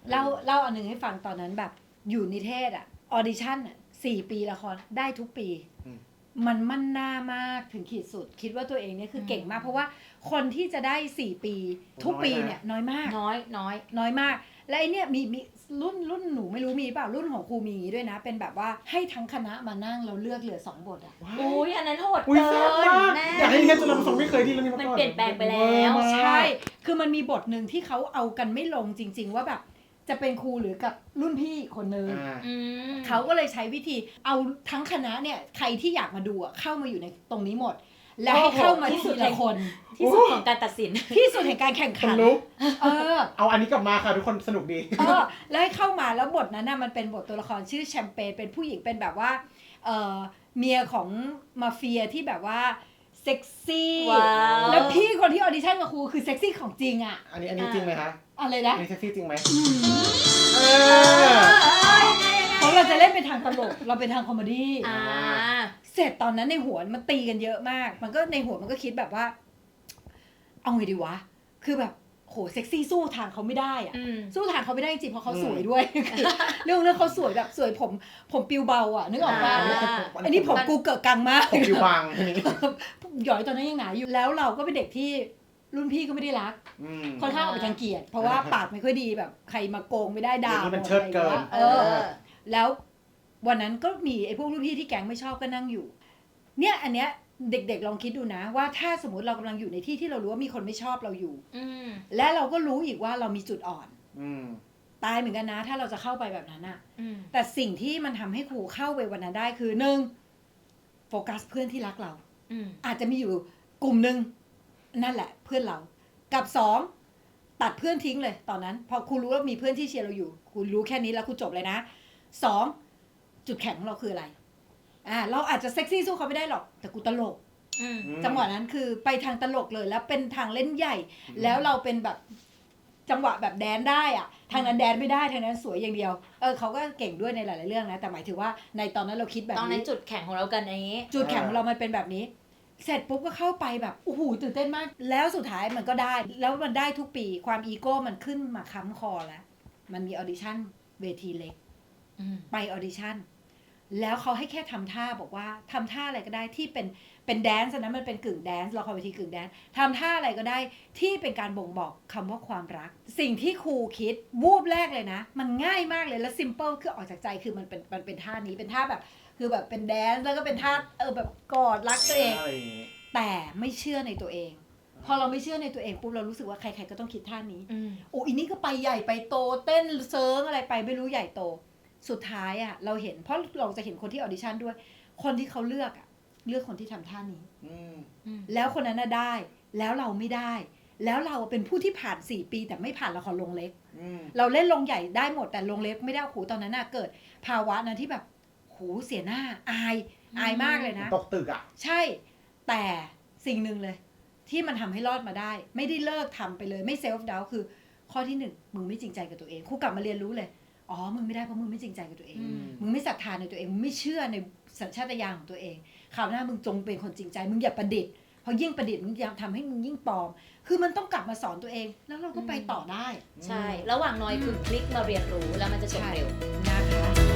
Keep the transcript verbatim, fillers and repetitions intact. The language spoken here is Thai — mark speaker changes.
Speaker 1: เล่าเล่าอันหนึ่งให้ฟังตอนนั้นแบบอยู่นิเทศอ่ะออดิชั่นอ่ะสี่ปีละครได้ทุกปีมันมั่นหน้ามากถึงขีดสุดคิดว่าตัวเองเนี่ยคือเก่งมากเพราะว่าคนที่จะได้สี่ปีทุกปีเนี่ยน้อยมาก
Speaker 2: น้อยน้อย
Speaker 1: น้อยมากและไอเนี่ยมีมีรุ่นรุ่นหนูไม่รู้มีเปล่ารุ่นของครูมีด้วยนะเป็นแบบว่าให้ทั้งคณะมานั่งเราเลือกเหลือสองบทอ่ะ
Speaker 2: อุ้ยอันนั้นโหด
Speaker 3: เกินแม่อยากให้เรียนจนเราไม่เคยที่เรื่องนี้มาก่อน
Speaker 2: มันเปลี่ยนแปลงไปแล้ว
Speaker 1: ใช่คือมันมีบทหนึ่งที่เขาเอากันไม่ลงจริงๆว่าแบบจะเป็นครูหรือกับรุ่นพี่คนนึงเขาก็เลยใช้วิธีเอาทั้งคณะเนี่ยใครที่อยากมาดูเข้ามาอยู่ในตรงนี้หมดแล้วให้เข้ามาที่สุดละคน
Speaker 2: ที่สุดของการตัดสิน
Speaker 1: ที่สุดแห่งการแข่งขัน
Speaker 3: เออเอาอันนี้กลับมาค่ะทุกคนสนุกดี
Speaker 1: เออแล้วให้เข้ามาแล้วบทนั้นน่ะมันเป็นบทตัวละครชื่อแชมเปญเป็นผู้หญิงเป็นแบบว่าเออเมียของมาเฟียที่แบบว่าเซ็กซี่แล้วพี่คนที่ออดิชั่นกับครูคือเซ็กซี่ของจริงอ่ะ
Speaker 3: อันนี้อันนี้จริงไหมคะ
Speaker 1: อะไรนะ
Speaker 3: อันนี้เซ็กซี่จริงไหม
Speaker 1: เออเพราะเราจะเล่นเป็นทางตลกเราเป็นทางคอมเมดี้เสร็จตอนนั้นในหัวมันตีกันเยอะมากมันก็ในหัวมันก็คิดแบบว่าเอาไงดีวะคือแบบโหเซ็กซี่สู้ทางเขาไม่ได้อะสู้ทางเขาไม่ได้จริงเพราะเขาสวยด้วยเรื่องนั้นเขาสวยแบบสวยผมผมปิวเบาอ่ะนึกออกป่ะอันนี้ผมกูเกิดกังมาก
Speaker 3: ผมปิวบาง
Speaker 1: หยอยตอนนั้นยังหนาอยู่แล้วเราก็เป็นเด็กที่รุ่นพี่ก็ไม่ได้รักค่อนข้างออกไปทางเกียรติเพราะว่าปากไม่ค่อยดีแบบใครมาโกงไม่ได้ด่า
Speaker 3: มันเชิดเกิน
Speaker 1: เออแล้ววันนั้นก็มีไอ้พวกรุ่นพี่ที่แก๊งไม่ชอบก็นั่งอยู่เนี่ยอันเนี้ยเด็กๆลองคิดดูนะว่าถ้าสมมติเรากำลังอยู่ในที่ที่เรารู้ว่ามีคนไม่ชอบเราอยู่และเราก็รู้อีกว่าเรามีจุดอ่อนตายเหมือนกันนะถ้าเราจะเข้าไปแบบนั้นอะแต่สิ่งที่มันทำให้ครูเข้าไปวันนั้นได้คือหนึ่งโฟกัสเพื่อนที่รักเราอาจจะมีอยู่กลุ่มนึงนั่นแหละเพื่อนเรากับสองตัดเพื่อนทิ้งเลยตอนนั้นพอครูรู้ว่ามีเพื่อนที่เชียร์เราอยู่ครูรู้แค่นี้แล้วครูจบเลยนะสองจุดแข็งของเราคืออะไรอ่าเราอาจจะเซ็กซี่สู้เขาไม่ได้หรอกแต่กูตลกจังหวะนั้นคือไปทางตลกเลยแล้วเป็นทางเล่นใหญ่แล้วเราเป็นแบบจังหวะแบบแดนได้อะทางนั้นแดนไม่ได้ทางนั้นสวยอย่างเดียวเออเขาก็เก่งด้วยในหลายๆเรื่องนะแต่หมายถึงว่าในตอนนั้นเราคิดแบบนี้
Speaker 2: ตอนนั้นจุดแข็งของเรากันอย่างนี้
Speaker 1: จุดแข็งของเรามันเป็นแบบนี้เสร็จปุ๊บก็เข้าไปแบบโอ้โหตื่นเต้นมากแล้วสุดท้ายมันก็ได้แล้วมันได้ทุกปีความอีโก้มันขึ้นมาค้ำคอแล้วมันมีออดิชั่นเวทีเล็กไปออดิชั่นแล้วเขาให้แค่ทำท่าบอกว่าทำท่าอะไรก็ได้ที่เป็นเป็นแดนซ์นะมันเป็นกึ่งแดนซ์ละครเวทีกึ่งแดนซ์ทำท่าอะไรก็ได้ที่เป็นการบ่งบอกคำว่าความรักสิ่งที่ครูคิดวูบแรกเลยนะมันง่ายมากเลยแล้วซิมเปิลคือออกจากใจคือมันเป็นมันเป็นท่านี้เป็นท่าแบบคือแบบเป็นแดนซ์แล้วก็เป็นท่าเออแบบกอดรักตัวเองแต่ไม่เชื่อในตัวเองพอเราไม่เชื่อในตัวเองปุ๊บเรารู้สึกว่าใครๆก็ต้องคิดท่านี้โอ้อีนี่ก็ไปใหญ่ไปโตเต้นเซิร์งอะไรไปไม่รู้ใหญ่โตสุดท้ายอ่ะเราเห็นเพราะเราจะเห็นคนที่ออดิชั่นด้วยคนที่เขาเลือกอ่ะเลือกคนที่ทำท่านี้แล้วคนนั้นน่ะได้แล้วเราไม่ได้แล้วเราเป็นผู้ที่ผ่านสี่ปีแต่ไม่ผ่านละครลงเล็กเราเล่นลงใหญ่ได้หมดแต่ลงเล็กไม่ได้โหตอนนั้นน่ะเกิดภาวะนั้นที่แบบโหเสียหน้าอายอายมากเลยนะ
Speaker 3: ตกตึกอ่ะ
Speaker 1: ใช่แต่สิ่งหนึ่งเลยที่มันทำให้รอดมาได้ไม่ได้เลิกทำไปเลยไม่เซลฟ์ดาวน์คือข้อที่หนึ่งมึงไม่จริงใจกับตัวเองครูกลับมาเรียนรู้เลยอ๋อมึงไม่ได้เพราะมึงไม่จริงใจกับตัวเองมึงไม่ศรัทธาในตัวเองมึงไม่เชื่อในสัญชาตญาณของตัวเองคราวหน้ามึงจงเป็นคนจริงใจมึงอย่าประดิษฐ์เพราะยิ่งประดิษฐ์มึงทำให้มึงยิ่งปลอมคือมันต้องกลับมาสอนตัวเองแล้วเราก็ไปต่อได้
Speaker 2: ใช่ระหว่างน้อยคือคลิกมาเรียนรู้แล้วมันจะจบเร็ว
Speaker 1: นะคะ